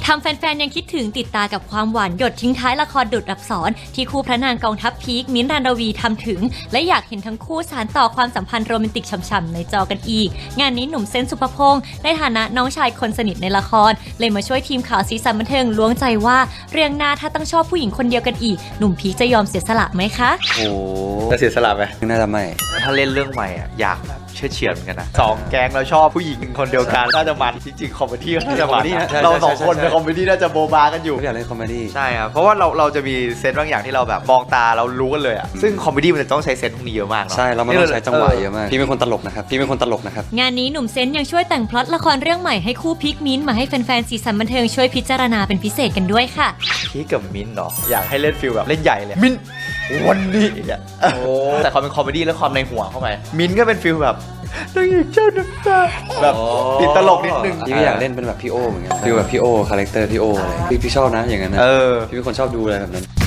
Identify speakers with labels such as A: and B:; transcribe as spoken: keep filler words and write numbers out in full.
A: ทำแฟนๆยังคิดถึงติดตากับความหวานหยดทิ้งท้ายละครดุจอักษรที่คู่พระนางกองทัพพีคมิ้นท์ รันรวีทำถึงและอยากเห็นทั้งคู่สานต่อความสัมพันธ์โรแมนติกฉ่ำๆในจอกันอีกงานนี้หนุ่มเซนต์สุภพงษ์ในฐานะน้องชายคนสนิทในละครเลยมาช่วยทีมข่าวสีสันบันเทิงล้วงใจว่าเรื่องหน้าถ้าต้องชอบผู้หญิงคนเดียวกันอีกหนุ่มพีคจะยอมเสียสละไหมคะ
B: โอ้
C: จะเสียสละไหม
B: น่าจะไม่
C: ถ้าเล่นเรื่องใหม่อ่ะอยากแบบเชื่อเฉียดเหมือนกันนะสองแก๊งเราชอบผู้หญิงคนเดียวกันน่าจะมันจริงๆคอมเมดี้น่าจะมันเราสองคนในคอมเมดี้น่าจะโบบากันอยู่
B: อยากเล่นคอมเมดี้
C: ใช่ครับเพราะว่าเราเราจะมีเซนส์บางอย่างที่เราแบบมองตาเรารู้กันเลยอ่ะซึ่งคอมเมดี้มันจะต้องใช้เซนส์พวกนี้เยอะมากเนาะ
B: ใช่เราไม่ต้องใช้จังหวะเยอะมากพี่เป็นคนตลกนะครับพี่เป็นคนตลกนะครับ
A: งานนี้หนุ่มเซนต์ยังช่วยแต่งพล็อตละครเรื่องใหม่ให้คู่พีคมิ้นท์มาให้แฟนๆสีสันบันเทิงช่วยพิจารณาเป็นพิเศษกันด้วยค่ะ
C: พีคกับมิ้นท์เนาะอยากให้เล่นฟิลแบบเล่นใหญ่เลยมิ้นท์วันนี้อ่ะแต่ความเป็นคอมเมดี้และความในหัวเข้าไปมิ้นท์ก็เป็นฟิลแบบนางเอกเจ้าน้ำตาแบบติดตลกนิดนึง
B: พี่ก็อยากเล่นเป็นแบบพี่โอเหมือนกันฟิลแบบพี่โอคาแรคเตอร์พี่โออะไรพี่พี่ชอบนะอย่างนั้นนะพี่เป็นคนชอบดูอะไรแบบนั้น